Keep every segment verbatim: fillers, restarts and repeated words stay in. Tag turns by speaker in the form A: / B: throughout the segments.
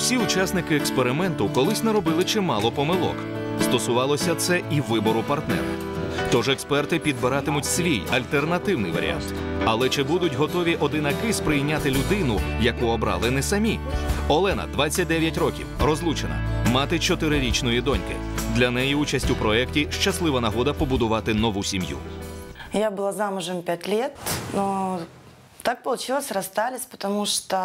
A: Усі учасники експерименту колись наробили чимало помилок. Стосувалося це і вибору партнера. Тож експерти підбиратимуть свій альтернативний варіант. Але чи будуть готові одинаки сприйняти людину, яку обрали не самі? Олена, двадцять дев'ять років, розлучена, мати чотирирічної доньки. Для неї участь у проєкті – щаслива нагода побудувати нову сім'ю.
B: Я была замужем пять лет, но так получилось, расстались, потому что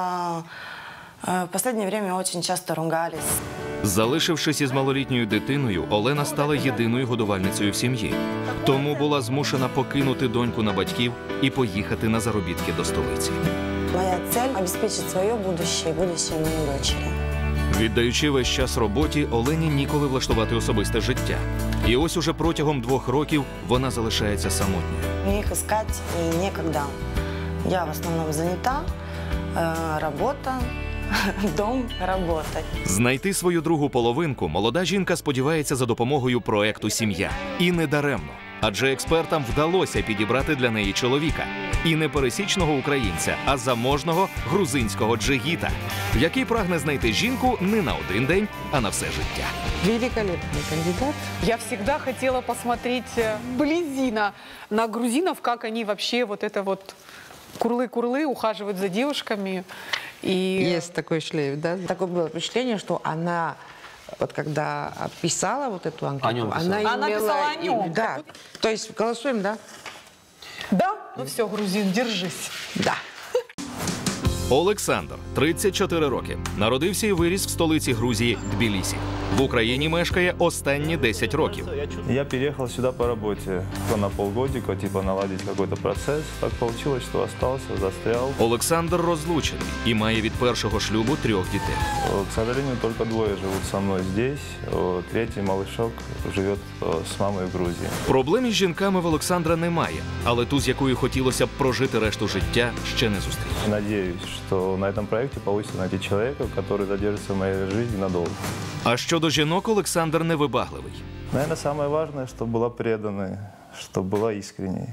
B: э, в последнее время очень часто ругались.
A: Залишившись із малолітньою дитиною, Олена стала єдиною годувальницею в сім'ї. Тому була змушена покинути доньку на батьків і поїхати на заробітки до столиці.
B: Моя цель – обеспечить свое будущее и будущее моей дочери.
A: Віддаючи весь час роботі, Олені ніколи влаштувати особисте життя. І ось уже протягом двох років вона залишається самотньою.
B: Мне их искать и некогда. Я в основном занята, э, работа, дом, работа.
A: Знайти свою другу половинку молода жінка сподівається за допомогою проекту «Сім'я». І не даремно. Адже експертам вдалося підібрати для неї чоловіка. І не пересічного українця, а заможного грузинського джигіта, який прагне знайти жінку не на один день, а на все життя.
C: Великолепный кандидат.
D: Я всегда хотела посмотреть вблизи на, на грузинов, как они вообще вот это вот курлы-курлы ухаживают за девушками. И...
C: Есть такой шлейф, да? Такое было впечатление, что она, вот когда писала вот эту анкету, она имела...
D: Она писала о нем.
C: Да. То есть голосуем, да?
D: Да? Ну все, грузин, держись.
C: Да.
A: Олександр, тридцять чотири роки. Народився і виріс в столиці Грузії – Тбілісі. В Україні мешкає останні десять років.
E: Я переехал сюда по работе на полгодика, типа наладить какой-то процесс. Так получилось, что остался, застрял.
A: Олександр розлучений і має від першого шлюбу трьох дітей.
E: К сожалению, только двое живут со мной здесь. Третий малышок живет с мамой в Грузии.
A: Проблем із жінками в Олександра немає, але ту, з якою хотілося б прожити решту життя, ще не зустрів.
E: Надеюсь, что на этом проекте получится найти человека, который задержится в моей жизни надолго.
A: А щодо жінок, Олександр невибагливий.
E: Наверное, самое важное, чтобы была преданной, чтобы была искренней.